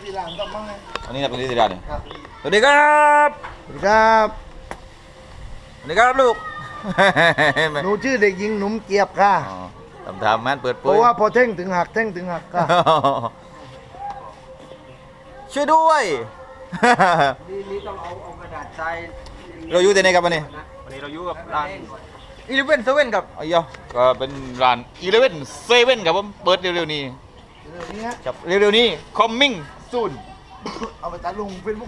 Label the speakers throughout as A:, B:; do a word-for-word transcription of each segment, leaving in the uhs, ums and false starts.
A: ตีหลังต้องมั่งไง
B: อันนี้นักดนตรีตีดานเนี่ย
A: ครับ
B: สวัสดีครับ
A: สวัสดีครับ
B: สวัสดีครับลูก
A: หนูชื่อเด็กหญิงหนุ่มเกียบค่ะ
B: อ๋อทำทำมันเปิด
A: เพ
B: เผย
A: ราะว่าพอเท่งถึงหักเท่งถึงหักค่ะ
B: ช่วยด้วย
C: นี่นี่ต้องเอาเอากระดาษทราย
B: เราอยู่ที่ไหนครับวันนี้
C: วันนี้เราอยู่กับร้าน
B: อีเลเว่นเซเว่นครับอ้ยก็เป็นร้านอีเลเว่นเซเว่นครับผมเปิดเร็วๆนี้
A: เรื่องนี้ฮะ
B: ครับเร็วๆนี้ coming soon
A: เอาไปตาลุงเฟซบุ๊ก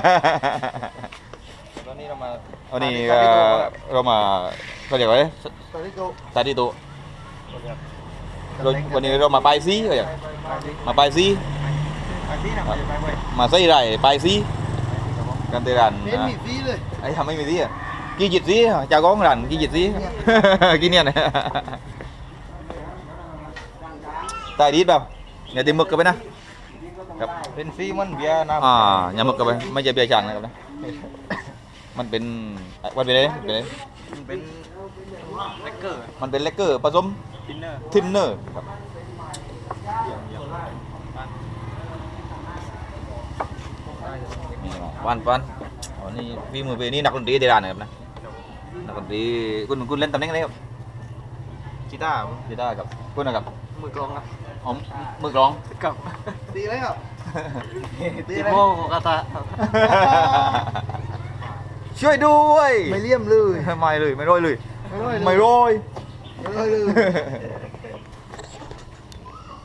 B: ตอนนี้เรามาวันนี้ก็เรามาเขาเรียกว่าอะไร
A: ตอนนี้โต
B: สาธิตตัวเราวันนี้เรามาปลายซีก็อย่างมาปลายซี
C: ไปที่ไหนไปไป
B: มาใส่ไรปลายซีกันเตรัน
A: เน้นมีฟรีเลย
B: ไอ้ทำไม่มีซีอ่ะกี่จิตซีเจ้าของร้านกี่จิตซีกี่เนี่ยนะตายดีเปล่าอย่าตีหมึกกันไปนะครับ
C: เป็นฟรีมันเบียร์น้ำ
B: อ่าอย่าหมึกกันไปไม่ใช่เบียร์จางนะครับนะมันเป็นมันเป็นอะไรเป็นอะไร
C: มันเป็นแลกเกอร์
B: มันเป็นเลกเกอร์ผสม
C: ทินเนอร์
B: ทินเนอร์ครับวันวันวันนี้พี่มือพี่นี่นักดนตรีเดรานนะครับนะนักดนตรีคุณคุณเล่นตำแหน่งอะไรครับ
C: กีตาร์
B: กีตาร์กับคุณนะครับ
C: มือกลองนะ
B: อ๋อมือกลอง
C: กับ
A: ตีเลยครับ
C: ติโมโกกาตะ
B: ช่วยด้วย
A: ไม่เลี่ยมเลย
B: ไม่เลยไม่ร้อยเลย
A: ไม่ร้อยเลย
B: ไม่ร้อย
A: ไม่ร้อยเลย